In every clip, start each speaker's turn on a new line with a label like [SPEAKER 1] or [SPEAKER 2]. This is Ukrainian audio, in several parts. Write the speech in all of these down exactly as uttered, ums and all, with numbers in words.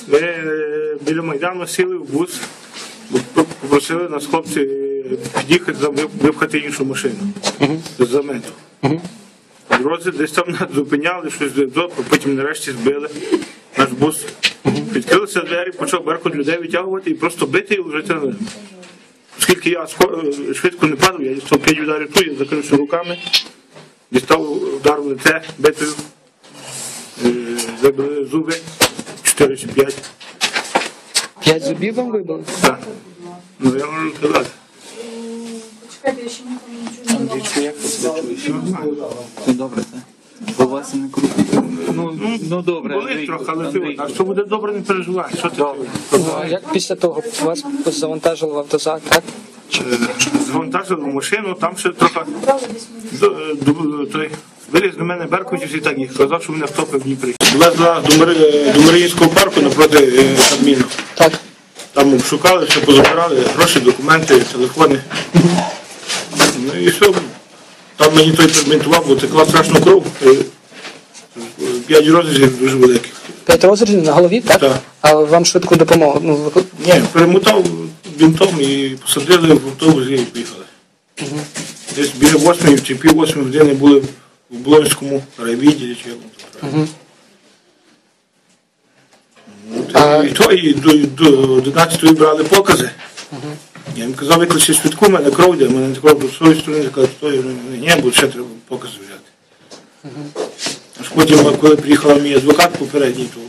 [SPEAKER 1] Ми е, біля Майдану сіли в бус, попросили нас хлопці е, під'їхати, за- вип- випхати іншу машину з замету. В дорозі десь там нас зупиняли, щось до- потім нарешті збили наш бус. Відкрилися двері, почав Беркут людей витягувати і просто бити і лежати на землю. Оскільки я ско- е, швидко не падав, я дістав п'ять ударів ту, я закрився руками, дістав удар в лице битою, е, забили зуби, чотири чи п'ять.
[SPEAKER 2] П'ять зубів вам вибили?
[SPEAKER 1] Так. Ну я можу сказати.
[SPEAKER 3] Почекайте, я ще нікому нічого не давала.
[SPEAKER 4] Ну добре, так. Бо вас не круто. Ну, ну добре,
[SPEAKER 1] Болить
[SPEAKER 4] Андрій,
[SPEAKER 1] трохи, але
[SPEAKER 4] Андрій.
[SPEAKER 1] ти, а що буде добре, не переживай. Що ти?
[SPEAKER 2] Ну, а як після того вас завантажили в автозак, так?
[SPEAKER 1] Завантажили в машину, там ще трохи до- до- той виліз до мене Беркутів і так їх казав, що мене втопив в Дніпрі. Везла до Мари- до Маріїнського парку напроти е, Кабміну.
[SPEAKER 2] Так.
[SPEAKER 1] Там обшукали, все позабирали, гроші, документи, телефони. Ну і все. Там мені той перебінтував, бо текла страшну кров. Е, П'ять розрізів дуже великих.
[SPEAKER 2] П'ять розрізів на голові, так?
[SPEAKER 1] Так.
[SPEAKER 2] А вам швидку допомогу? Ну, ви-
[SPEAKER 1] Ні, перемотав бінтом і посадили в автобус і поїхали. Десь біля восьмої чи пів восьмої години були в Блонському райвідділі, чи як воно там правильно. Ну, та І то, і до, до одинадцятої брали покази. Я їм казав, викличте швидку, в мене кров йде, в мене кров до своєї сторони, казав, що ні, бо ще треба покази взяти. Аж потім, коли приїхав мій адвокат попередній, то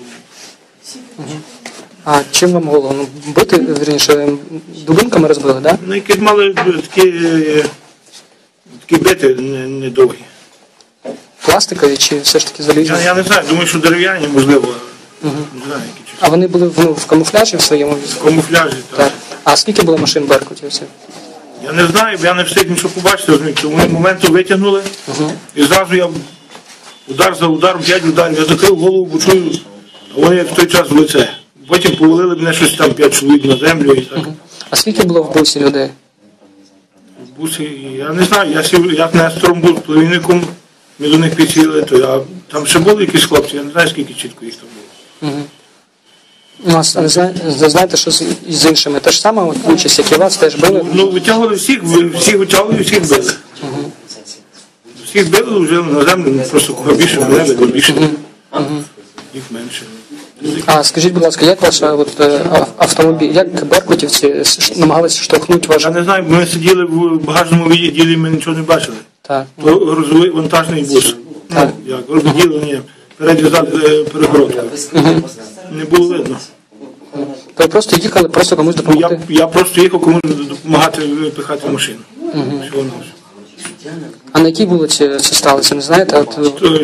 [SPEAKER 2] А чим вам голову? Ну, бити, вірніше, дубинками розбили, так?
[SPEAKER 1] ну, якісь мали такі, е, такі бити не- недовгі.
[SPEAKER 2] Пластикові чи все ж таки залізні?
[SPEAKER 1] Я, я не знаю, думаю, що дерев'яні, можливо. Не знаю, які чи
[SPEAKER 2] А вони були ну, в камуфляжі в своєму
[SPEAKER 1] в
[SPEAKER 2] візку?
[SPEAKER 1] камуфляжі. Так.
[SPEAKER 2] Так. А скільки було машин беркутівців?
[SPEAKER 1] Я не знаю, бо я не встиг нічого побачити, розумієте. Тому моменту витягнули, і зразу я удар за ударом, п'ять ударів, я закрив голову, бо чую, а вони як в той час в лице. Потім повалили мене щось там п'ять чоловік на землю і так.
[SPEAKER 2] А скільки було в бусі людей?
[SPEAKER 1] В бусі, я не знаю, я сів, як Нестором був племінником, ми до них підсіли, то я, там ще були якісь хлопці, я не знаю, скільки чітко їх там було.
[SPEAKER 2] Ну, а ви зна- ви знаєте, що з, з іншими? Те ж саме, от, участь, як і вас, теж били?
[SPEAKER 1] Ну, витягували всіх, ви- всіх витягували, всіх били. Всіх били, вже на землю, ну, просто кого більше, мене було більше. Їх менше.
[SPEAKER 2] А скажіть, будь ласка, як ваш от, е, ав- автомобіль, як беркутівці с- намагалися штовхнути ваш?
[SPEAKER 1] Я не знаю, бо ми сиділи в багажному відділі, і ми нічого не бачили.
[SPEAKER 2] Так.
[SPEAKER 1] То грузовий вантажний бус.
[SPEAKER 2] Так.
[SPEAKER 1] Як розділення, переді зад е, перегородкою. Не було видно.
[SPEAKER 2] То ви просто їхали, просто комусь
[SPEAKER 1] Я,
[SPEAKER 2] допомогти?
[SPEAKER 1] я просто їхав комусь допомагати пихати машину. Всього-навсього.
[SPEAKER 2] А на якій вулиці це сталося, не знаєте? От, е,
[SPEAKER 1] То,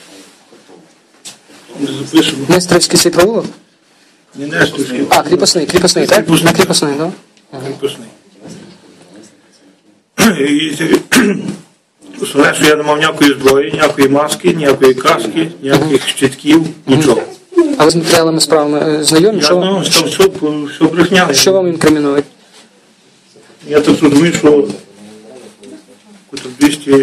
[SPEAKER 1] не запишемо.
[SPEAKER 2] Нестерівський свій провулок?
[SPEAKER 1] Не Несторський.
[SPEAKER 2] А, кріпосний, кріпосний, так?
[SPEAKER 1] Кріпосний.
[SPEAKER 2] На кріпосний, так?
[SPEAKER 1] Кріпосний. І це- Основне, що я не мав ніякої зброї, ніякої маски, ніякої каски, ніяких щитків, нічого.
[SPEAKER 2] А ви з матеріалами справами е, знайомі?
[SPEAKER 1] Я
[SPEAKER 2] Що, вам-
[SPEAKER 1] ну, що все, все брехня.
[SPEAKER 2] що вам інкримінують?
[SPEAKER 1] Я так розумію, що двісті,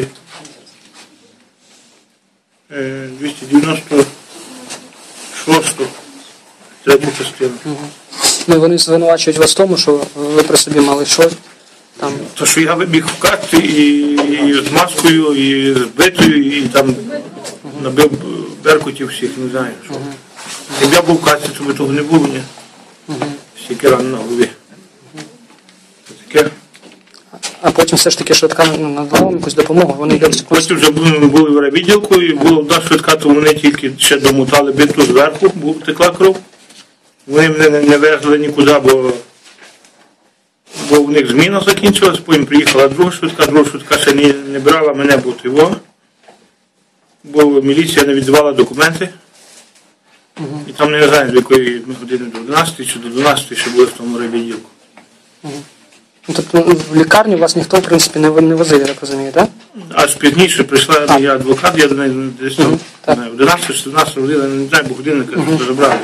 [SPEAKER 1] е, двісті дев'яносто шосту третю частину.
[SPEAKER 2] Ну, вони звинувачують вас в тому, що ви при собі мали що там.
[SPEAKER 1] То, що я вибіг в касті і, і з маскою, і з битою, і там набив беркутів всіх, не знаю. Що. Якби я був в касті, то би того не було, ні. Стільки ран на голові. Це таке.
[SPEAKER 2] А потім все ж таки швидка ну, надала вам якусь допомогу. Вони йдуть.
[SPEAKER 1] Потім вже були, були в райвідділку, і було одна швидка, то вони тільки ще домотали биту зверху, бо текла кров. Вони мене не, не везли нікуди, бо, бо в них зміна закінчилась, потім приїхала друга швидка, друга швидка ще не, не брала мене, бо його, бо міліція не віддавала документи. І там не знаю, до якої ми години, до одинадцятої чи до дванадцятої ще були в тому райвідділку.
[SPEAKER 2] Ну, тобто в лікарню вас ніхто, в принципі, не, не возив, я так розумію, так?
[SPEAKER 1] Аж пізніше прийшла я адвокат, я до неї десь там одинадцята чи дванадцята година, не знаю, бо годинника забрали.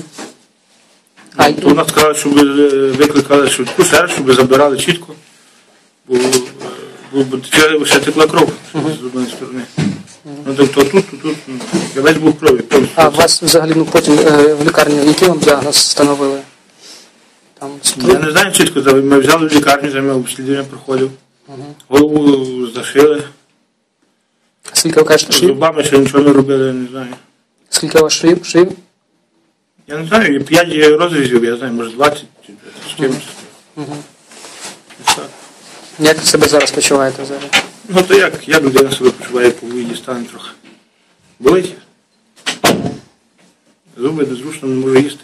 [SPEAKER 2] А,
[SPEAKER 1] То вона сказала, щоб викликали швидку, ще раз, щоб забирали чітко, бо, бо, бо ще текла кров з одної сторони. Ну, тобто тут, тут, тут, ну, я весь був в крові. повністю.
[SPEAKER 2] А вас взагалі ну, потім е, в лікарні який вам діагноз встановили? Там,
[SPEAKER 1] Я не знаю, чітко, за- ми взяли в лікарню, за мене обслідування проходив. Голову зашили,
[SPEAKER 2] скільки ви кажете
[SPEAKER 1] з
[SPEAKER 2] швів?
[SPEAKER 1] зубами ще нічого не робили, я не знаю.
[SPEAKER 2] Скільки у вас швів? швів?
[SPEAKER 1] Я не знаю, п'ять розрізів, я знаю, може двадцять чи з кимось. Ось так.
[SPEAKER 2] Як ви себе зараз почуваєте зараз?
[SPEAKER 1] Ну то як, я людина себе почуваю, по виїді стане трохи. Болить. Зуби незручно, не можу їсти.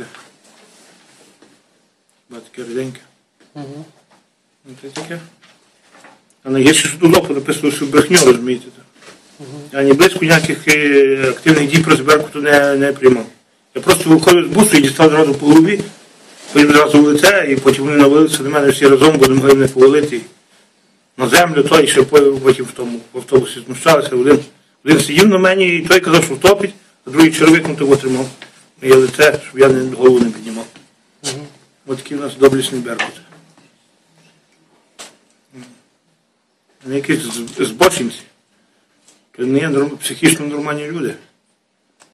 [SPEAKER 1] Ба таке ріденьке. Ну це таке. А найгірше, що тут око написано, що брехню, розумієте. Я ні близько ніяких е, активних дій про зберку тут не, не приймав. Я просто виходив з бусу і дістав зразу по голові, потім зразу в лице, і потім вони навалилися до мене всі разом, бо не могли мене повалити на землю, той і ще потім в тому в автобусі знущалися. Один, один сидів на мені, і той казав, що втопить, а другий червик ну, того тримав моє лице, щоб я не, голову не піднімав. Ось такий у нас доблісний беркут. Вони якісь з- збочинці. То не є норм- психічно нормальні люди.